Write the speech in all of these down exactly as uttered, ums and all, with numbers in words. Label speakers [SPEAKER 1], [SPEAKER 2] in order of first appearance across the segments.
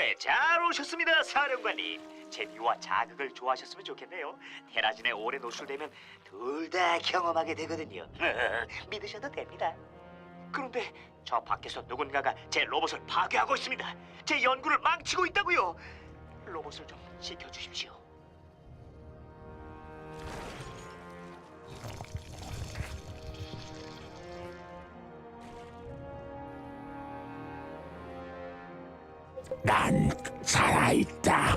[SPEAKER 1] 네, 잘 오셨습니다, 사령관님. 재미와 자극을 좋아하셨으면 좋겠네요. 테라진에 오래 노출되면 둘 다 경험하게 되거든요. 믿으셔도 됩니다. 그런데 저 밖에서 누군가가 제 로봇을 파괴하고 있습니다. 제 연구를 망치고 있다고요. 로봇을 좀 지켜주십시오.
[SPEAKER 2] 난 살아있다.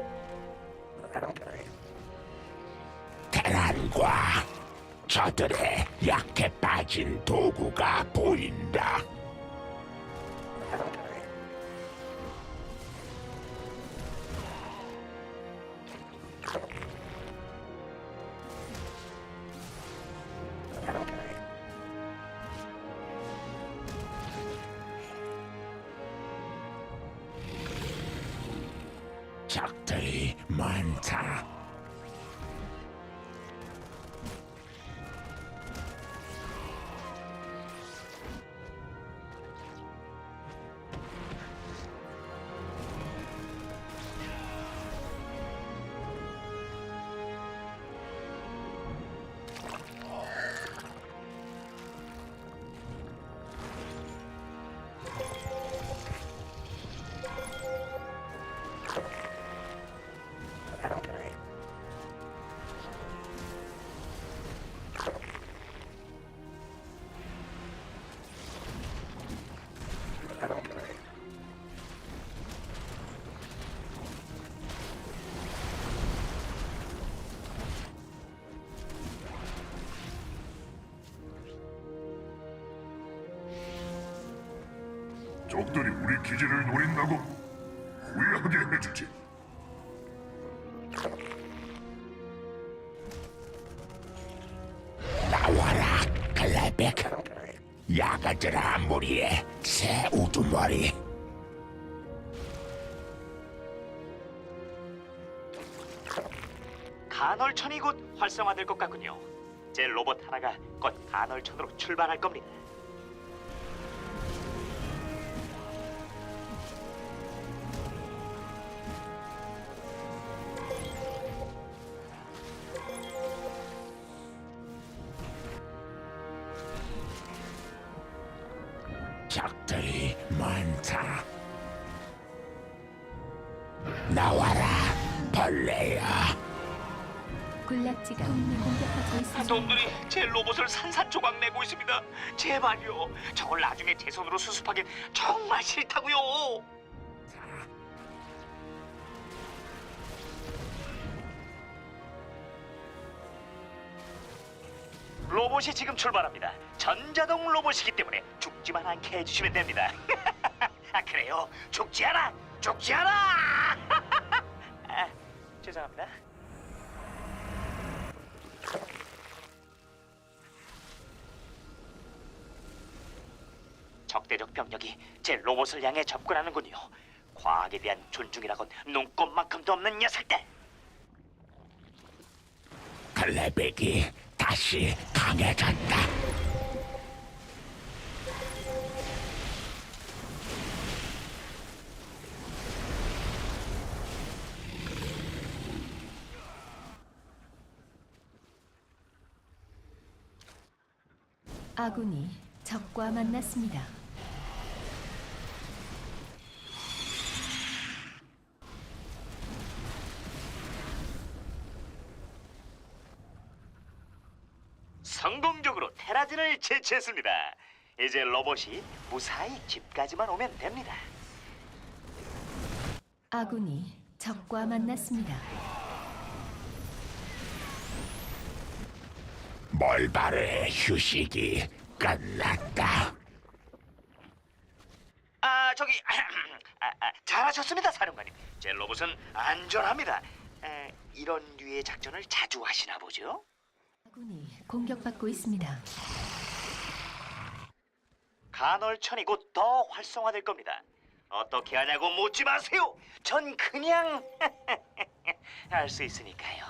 [SPEAKER 2] 테란과 저들의 약해 빠진 도구가 보인다. 적들이 많다.
[SPEAKER 3] 적들이 우리 기지를 노린다고 후회하게 해주지.
[SPEAKER 2] 나와라, 클레백. 야가들아 무리에 새 우두머리.
[SPEAKER 1] 간헐천이 곧 활성화될 것 같군요. 제 로봇 하나가 곧 간헐천으로 출발할 겁니다.
[SPEAKER 2] 적들이 많다. 나와라, 벌레야.
[SPEAKER 4] 군락지가 동맹 공격받고 있습니다.
[SPEAKER 1] 놈들이 제 로봇을 산산조각 내고 있습니다. 제발요. 저걸 나중에 제 손으로 수습하긴 정말 싫다고요. 로봇이 지금 출발합니다. 전자동 로봇이기 때문에 죽지만 않게 해주시면 됩니다. 아 그래요? 죽지 않아! 죽지 않아! 아, 죄송합니다. 적대적 병력이 제 로봇을 향해 접근하는군요. 과학에 대한 존중이라곤 눈꼽만큼도 없는 녀석들.
[SPEAKER 2] 클레백이 다시 강해졌다.
[SPEAKER 4] 아군이 적과 만났습니다.
[SPEAKER 1] 성공적으로 테라진을 제치했습니다. 이제 로봇이 무사히 집까지만 오면 됩니다.
[SPEAKER 4] 아군이 적과 만났습니다.
[SPEAKER 2] 몰바르의 휴식이 끝났다.
[SPEAKER 1] 아 저기 아, 아, 잘하셨습니다, 사령관님. 제 로봇은 안전합니다. 에, 이런 류의 작전을 자주 하시나 보죠?
[SPEAKER 4] 아군이 공격받고 있습니다.
[SPEAKER 1] 간헐천이 곧 더 활성화될 겁니다. 어떻게 하냐고 묻지 마세요. 전 그냥 알 수 있으니까요.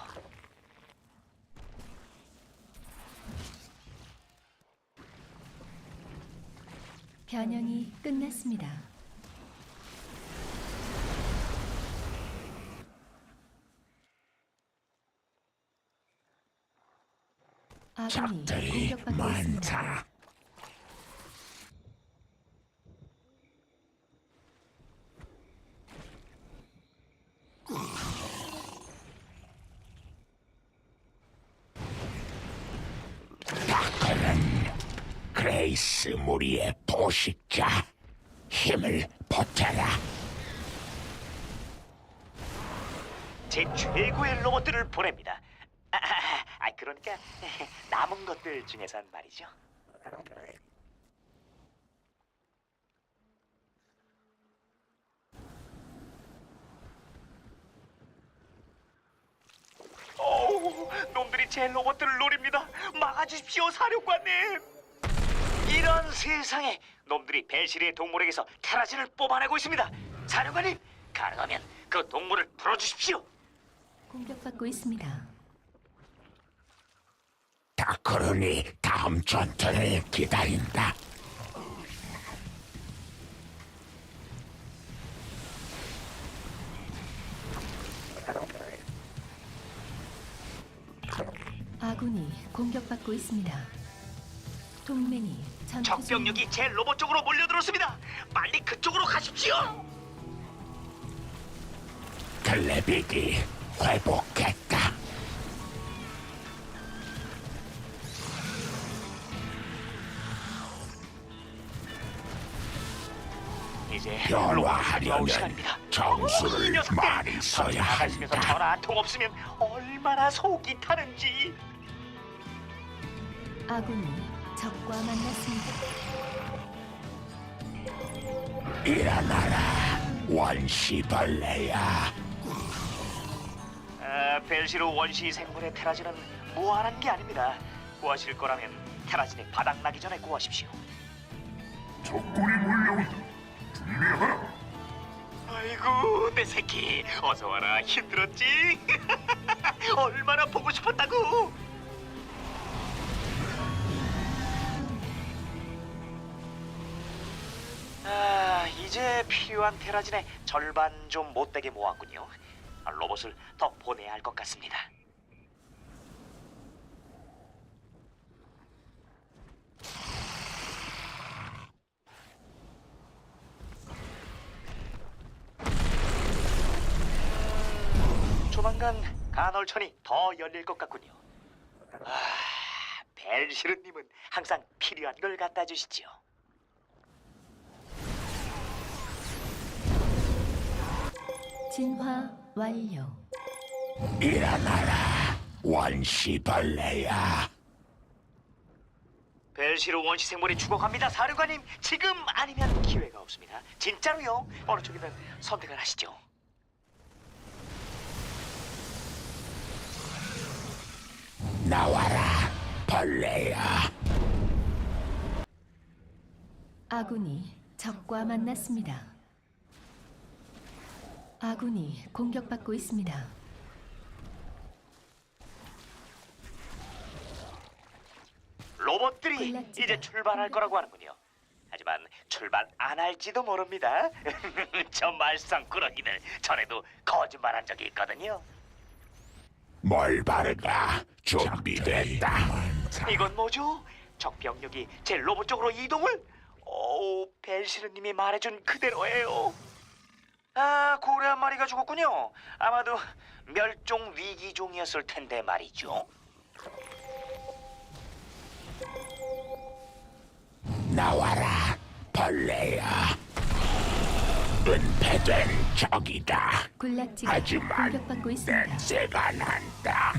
[SPEAKER 4] 변형이 끝났습니다. 아군이
[SPEAKER 2] 적들이
[SPEAKER 4] 공격받고 있습니다.
[SPEAKER 2] 많다. 다크는 그레이스 무리의 포식자. 힘을 보태라.
[SPEAKER 1] 제 최고의 로봇들을 보냅니다. 아, 아, 아 그러니까 남은 것들 중에선 말이죠. 어우, 놈들이 제 로봇들을 노립니다. 막아주십시오, 사령관님. 이런 세상에 놈들이 벨시리의 동물에게서 테라진을 뽑아내고 있습니다. 사령관님, 가능하면 그 동물을 풀어주십시오.
[SPEAKER 4] 공격받고 있습니다.
[SPEAKER 2] 다크론이 다음 전투를 기다린다.
[SPEAKER 4] 아군이 공격받고 있습니다. 동맹이 전투 중
[SPEAKER 1] 적병력이 제 로봇 쪽으로 몰려들었습니다. 빨리 그쪽으로 가십시오.
[SPEAKER 2] 글래빅이 회복했다.
[SPEAKER 1] 이제
[SPEAKER 2] 변화하려면
[SPEAKER 1] 로봇이 나올 시간입니다.
[SPEAKER 2] 정수를
[SPEAKER 1] 이 녀석들,
[SPEAKER 2] 많이 써야
[SPEAKER 1] 나가시면서
[SPEAKER 2] 한다.
[SPEAKER 1] 전화 한 통 없으면 얼마나 속이 타는지.
[SPEAKER 4] 아군이 적과 만났습니다.
[SPEAKER 2] 일어나라, 원시벌레야.
[SPEAKER 1] 아, 벨시로 원시 생물의 테라진은 무한한 게 아닙니다. 구하실 거라면 테라진이 바닥나기 전에 구하십시오.
[SPEAKER 3] 적군이 몰려온다. 준비하라.
[SPEAKER 1] 아이고 내 새끼 어서 와라. 힘들었지? 얼마나 보고 싶었다고. 아 이제 필요한 테라진의 절반 좀 못되게 모았군요. 아, 로봇을 더 보내야 할 것 같습니다. 조만간 간헐천이 더 열릴 것 같군요. 아, 벨시르님은 항상 필요한 걸 갖다 주시지요.
[SPEAKER 4] 진화 완료.
[SPEAKER 2] 일어나라, 원시벌레야.
[SPEAKER 1] 벨시르 원시 생물이 죽어갑니다, 사령관님. 지금 아니면 기회가 없습니다. 진짜로요. 어느 쪽이든 선택을 하시죠.
[SPEAKER 2] 나와라, 벌레야.
[SPEAKER 4] 아군이 적과 만났습니다. 아군이 공격받고 있습니다.
[SPEAKER 1] 로봇들이
[SPEAKER 4] 군락지가
[SPEAKER 1] 이제 출발할 거라고 하는군요. 하지만 출발 안 할지도 모릅니다. 저 말썽꾸러기들 전에도 거짓말한 적이 있거든요.
[SPEAKER 2] 뭘 바르가 준비됐다.
[SPEAKER 1] 이건 뭐죠? 적 병력이 제 로봇 쪽으로 이동을? 오, 벨시르님이 말해준 그대로예요. 아, 고래 한 마리가 죽었군요. 아마도 멸종 위기종이었을 텐데 말이죠.
[SPEAKER 2] 나와라, 벌레야. 은폐된 적이다.
[SPEAKER 4] 군락지가
[SPEAKER 2] 하지만
[SPEAKER 4] 공격받고 있습니다.
[SPEAKER 2] 냄새가 난다.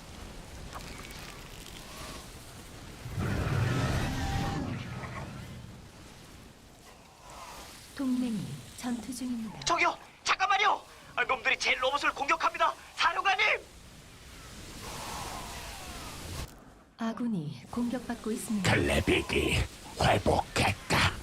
[SPEAKER 4] 동맹이 전투 중입니다.
[SPEAKER 1] 저기요, 잠깐만요. 아, 놈들이 제 로봇을 공격합니다. 사령관님!
[SPEAKER 4] 아군이 공격받고 있습니다.
[SPEAKER 2] 글래빅이 회복했다.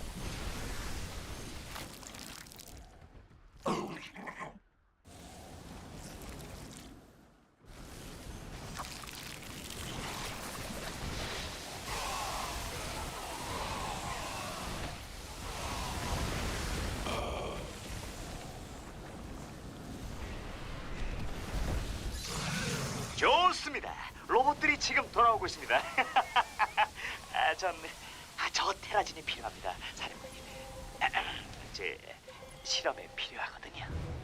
[SPEAKER 1] 좋습니다. 로봇들이 지금 돌아오고 있습니다. 아, 전, 아, 저 테라진이 필요합니다, 사령관님. 제 실험에 필요하거든요.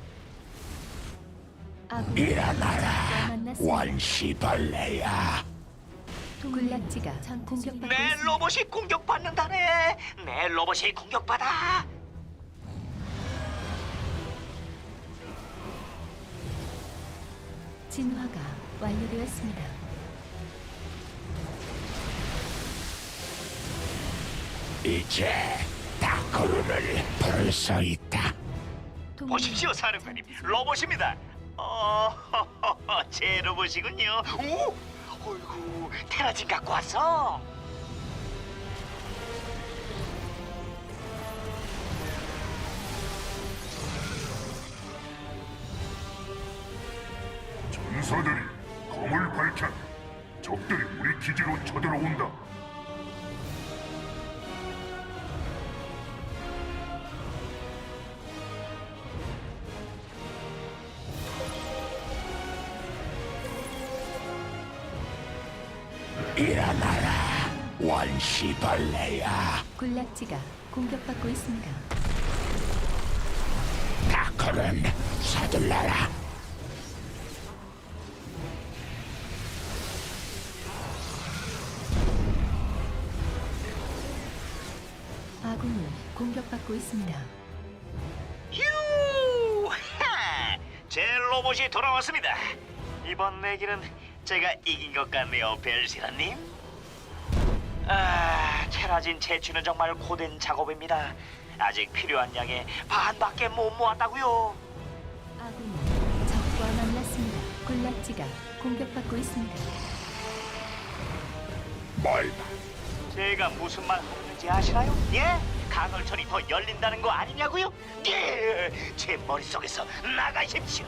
[SPEAKER 4] 아군이
[SPEAKER 2] 일어나라,
[SPEAKER 4] 적과 만났습니다.
[SPEAKER 2] 원시벌레야.
[SPEAKER 4] 군락지가 전 공격받고
[SPEAKER 1] 내
[SPEAKER 4] 있습니다.
[SPEAKER 1] 로봇이 공격받는다네. 내 로봇이 공격받아.
[SPEAKER 4] 진화가 완료되었습니다.
[SPEAKER 2] 이제 다크루를 부를 수 있다.
[SPEAKER 4] 동맹이
[SPEAKER 1] 보십시오, 사령관님. 로봇입니다. 어, 제 로봇이군요. 오, 어이구, 테라진 갖고 왔어.
[SPEAKER 3] 전사들이 검을 밝혔다. 적들이 우리 기지로 쳐들어온다.
[SPEAKER 2] 일어나라, 원시벌레야.
[SPEAKER 4] 군락지가 공격받고 있습니다.
[SPEAKER 2] 다크는 서둘러라.
[SPEAKER 4] 아군이 공격받고 있습니다.
[SPEAKER 1] 휴! 하! 제 로봇이 돌아왔습니다. 이번 내기는 제가 이긴 것 같네요, 벨시라님. 아, 테라진 채취는 정말 고된 작업입니다. 아직 필요한 양의 반밖에 못 모았다고요.
[SPEAKER 4] 아군이 적과 만났습니다. 군락지가 공격받고 있습니다.
[SPEAKER 2] 뭘
[SPEAKER 1] 제가 무슨 말 하는지 아시나요? 예? 간헐천이 더 열린다는 거 아니냐고요? 예! 제 머릿속에서 나가십시오.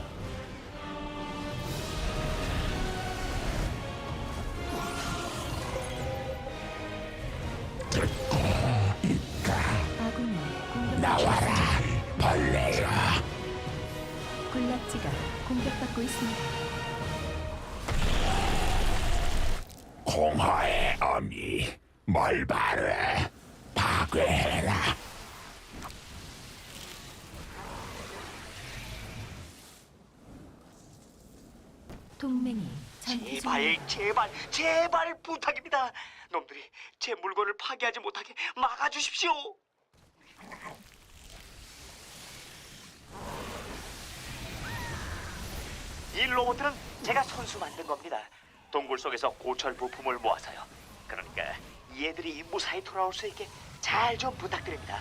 [SPEAKER 4] 아군이 공격받고
[SPEAKER 2] 나와라,
[SPEAKER 4] 있습니다.
[SPEAKER 2] 벌레야.
[SPEAKER 4] 군락지가 공격받고 있습니다.
[SPEAKER 2] 공허의 어미, 멀바르, 파괴해라.
[SPEAKER 4] 동맹이 전투
[SPEAKER 1] 제발,
[SPEAKER 4] 중입니다.
[SPEAKER 1] 제발, 제발 부탁입니다. 놈들이 제 물건을 파괴하지 못하게 막아주십시오. 이 로봇들은 제가 손수 만든 겁니다. 동굴 속에서 고철 부품을 모아서요. 그러니까 얘들이 무사히 돌아올 수 있게 잘 좀 부탁드립니다.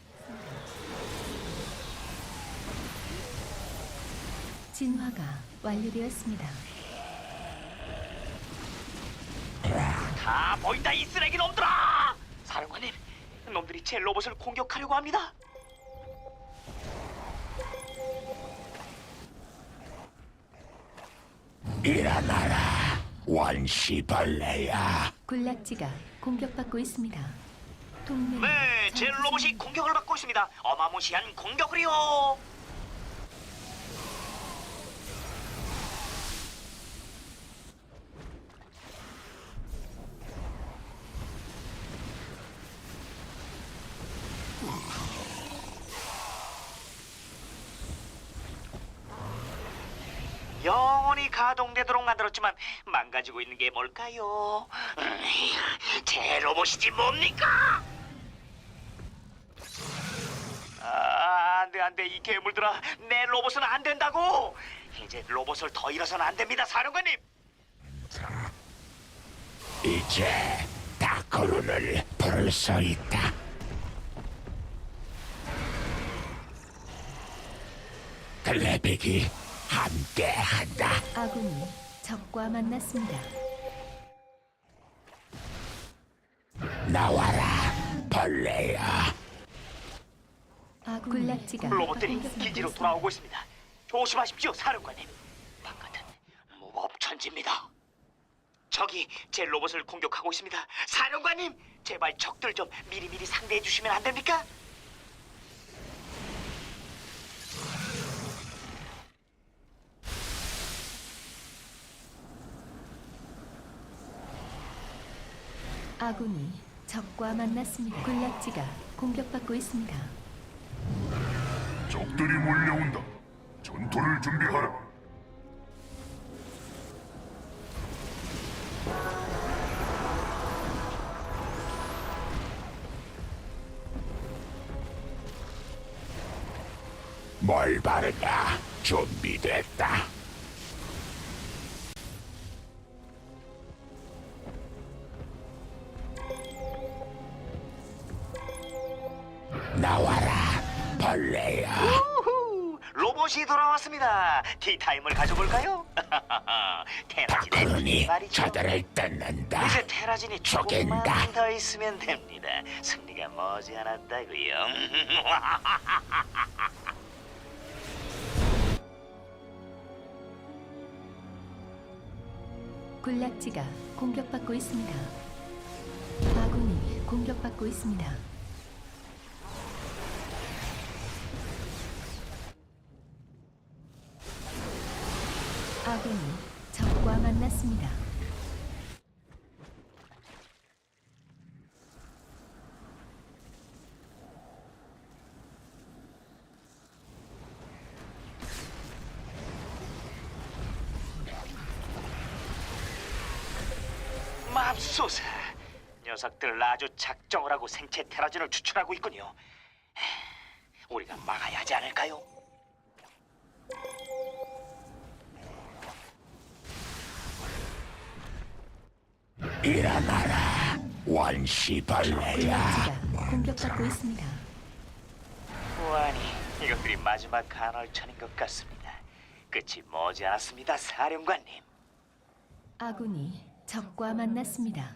[SPEAKER 4] 진화가 완료되었습니다.
[SPEAKER 1] 다 보인다, 이 쓰레기 놈들아! 사령관님, 놈들이 제 로봇을 공격하려고 합니다.
[SPEAKER 2] 일어나라, 원시벌레야.
[SPEAKER 4] 군락지가 공격받고 있습니다. 동맹이
[SPEAKER 1] 네, 제
[SPEAKER 4] 전투
[SPEAKER 1] 로봇이
[SPEAKER 4] 중입니다.
[SPEAKER 1] 공격을 받고 있습니다. 어마무시한 공격을요. 영원히 가동되도록 만들었지만 망가지고 있는 게 뭘까요? 음, 제 로봇이지 뭡니까? 아, 안돼 안돼, 이 괴물들아, 내 로봇은 안 된다고. 이제 로봇을 더 잃어서는 안 됩니다, 사령관님.
[SPEAKER 2] 이제 다크루를 부를 수 있다. 글래빅이 함께한다.
[SPEAKER 4] 아군이 적과 만났습니다.
[SPEAKER 2] 나와라, 벌레야.
[SPEAKER 4] 아군 군락지가
[SPEAKER 1] 로봇들이
[SPEAKER 4] 공격받고
[SPEAKER 1] 기지로
[SPEAKER 4] 있습니다.
[SPEAKER 1] 돌아오고 있습니다. 조심하십시오, 사령관님. 바깥은 무법천지입니다. 적이 제 로봇을 공격하고 있습니다. 사령관님, 제발 적들 좀 미리미리 상대해 주시면 안 됩니까?
[SPEAKER 4] 아군이 적과 만났습니다. 군락지가 공격받고 있습니다.
[SPEAKER 3] 적들이 몰려온다. 전투를 준비하라.
[SPEAKER 2] 뭘 바르냐? 준비됐다. 나와라, 벌레야.
[SPEAKER 1] 우후, 로봇이 돌아왔습니다. 티타임을 가져볼까요? 테라진의
[SPEAKER 2] 다크론이
[SPEAKER 1] 말이죠.
[SPEAKER 2] 저들을 뜯는다.
[SPEAKER 1] 이제 테라진이
[SPEAKER 2] 죽인다.
[SPEAKER 1] 조금만 더 있으면 됩니다. 승리가 머지않았다고요.
[SPEAKER 4] 군락지가 공격받고 있습니다. 아군이 공격받고 있습니다. 아군이 적과 만났습니다.
[SPEAKER 1] 맙소사, 녀석들 아주 작정을 하고 생체 테라진을 추출하고 있군요. 우리가 막아야 하지 않을까요?
[SPEAKER 2] 일어나라, 원시벌레야.
[SPEAKER 4] 군락지가 공격받고 있습니다.
[SPEAKER 1] 보아니, 이것들이 마지막 간헐천인 것 같습니다. 끝이 머지않았습니다, 사령관님.
[SPEAKER 4] 아군이 적과 만났습니다.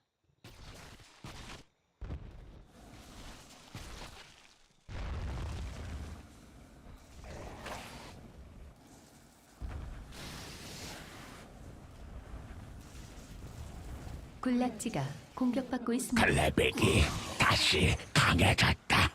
[SPEAKER 4] 군락지가 공격받고 있습니다.
[SPEAKER 2] 클레백이 다시 강해졌다.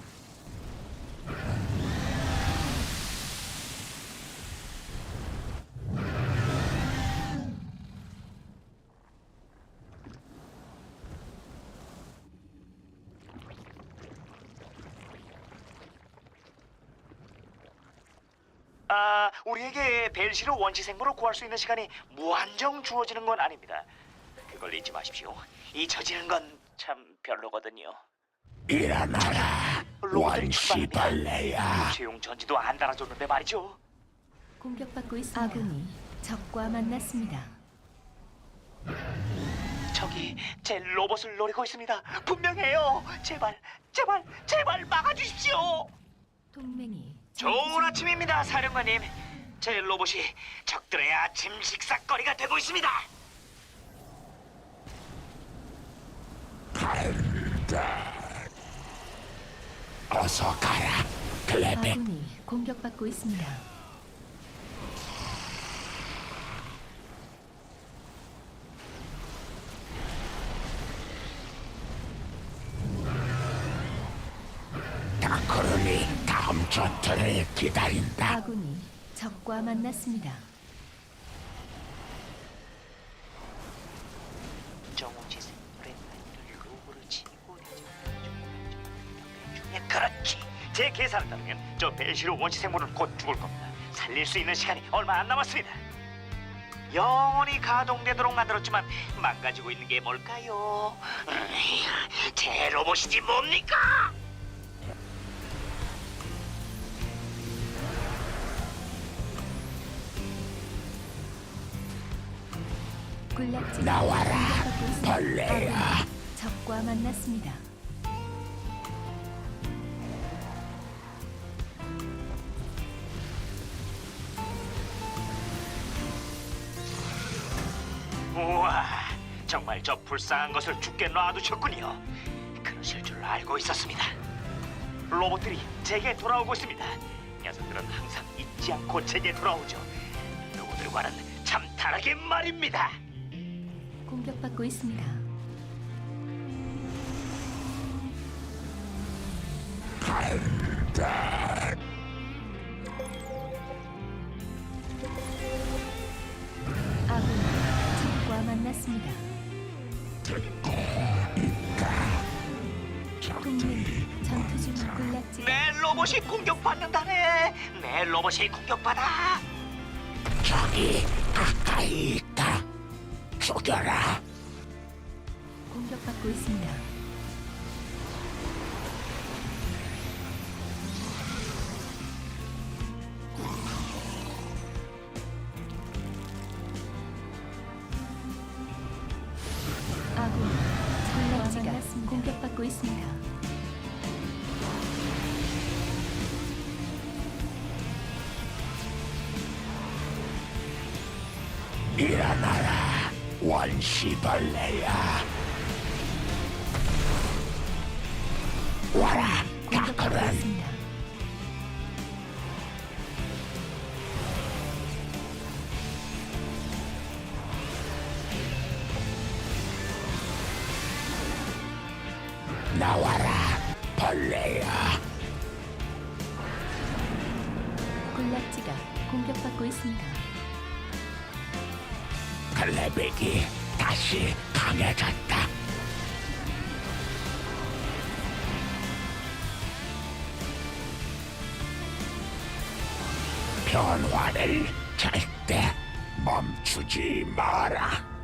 [SPEAKER 1] 아, 우리에게 벨시르 원시 생물을 구할 수 있는 시간이 무한정 주어지는 건 아닙니다. 그걸 잊지 마십시오. 잊혀지는 건 참 별로거든요.
[SPEAKER 2] 일어나라,
[SPEAKER 1] 로봇들이 출발합니다.
[SPEAKER 2] 원시벌레야.
[SPEAKER 1] 최용 전지도 안 달아줬는데 말이죠.
[SPEAKER 4] 공격받고 있습니다. 아군이 적과 만났습니다.
[SPEAKER 1] 저기 제 로봇을 노리고 있습니다. 분명해요. 제발, 제발, 제발 막아주십시오.
[SPEAKER 4] 동맹이
[SPEAKER 1] 좋은 아침입니다, 사령관님. 제 로봇이 적들의 아침 식사거리가 되고 있습니다.
[SPEAKER 2] 간다. 어서 가라, 클레백.
[SPEAKER 4] 아군이 공격받고 있습니다.
[SPEAKER 2] 다크론이 다음 전투를 기다린다.
[SPEAKER 4] 아군이 적과 만났습니다.
[SPEAKER 1] 정우지 생물의 날개를 로봇을 치고 중에 그렇지. 제 계산을 따르면 저 벨시르 원시 생물은 곧 죽을 겁니다. 살릴 수 있는 시간이 얼마 안 남았습니다. 영원히 가동되도록 만들었지만 망가지고 있는 게 뭘까요? 음, 제 로봇이지 뭡니까?
[SPEAKER 4] 군락지가
[SPEAKER 2] 나와라,
[SPEAKER 4] 공격받고 있습니다.
[SPEAKER 2] 벌레야.
[SPEAKER 4] 아군이 적과 만났습니다.
[SPEAKER 1] 우와, 정말 저 불쌍한 것을 죽게 놔두셨군요. 그러실 줄 알고 있었습니다. 로봇들이 제게 돌아오고 있습니다. 녀석들은 항상 잊지 않고 제게 돌아오죠. 누구들과는 참 다르게 말입니다.
[SPEAKER 4] 공격받고 있습니다.
[SPEAKER 2] 간다.
[SPEAKER 4] 아군이 적과 만났습니다.
[SPEAKER 2] 듣고
[SPEAKER 4] 군락지가
[SPEAKER 1] 내 로봇이 공격받는다네. 내 로봇이 공격받아.
[SPEAKER 2] 적이 가까이 있다. 죽여라.
[SPEAKER 4] 공격받고 있습니다. 아군 군락지가 공격받고 있습니다.
[SPEAKER 2] 일어나라, 원시벌레야. 와라,
[SPEAKER 4] 공격받고
[SPEAKER 2] 다크는
[SPEAKER 4] 있습니다.
[SPEAKER 2] 나와라, 벌레야.
[SPEAKER 4] 군락지가 공격받고 있습니다.
[SPEAKER 2] 클레백이 다시 강해졌다. 변화를 절대 멈추지 마라.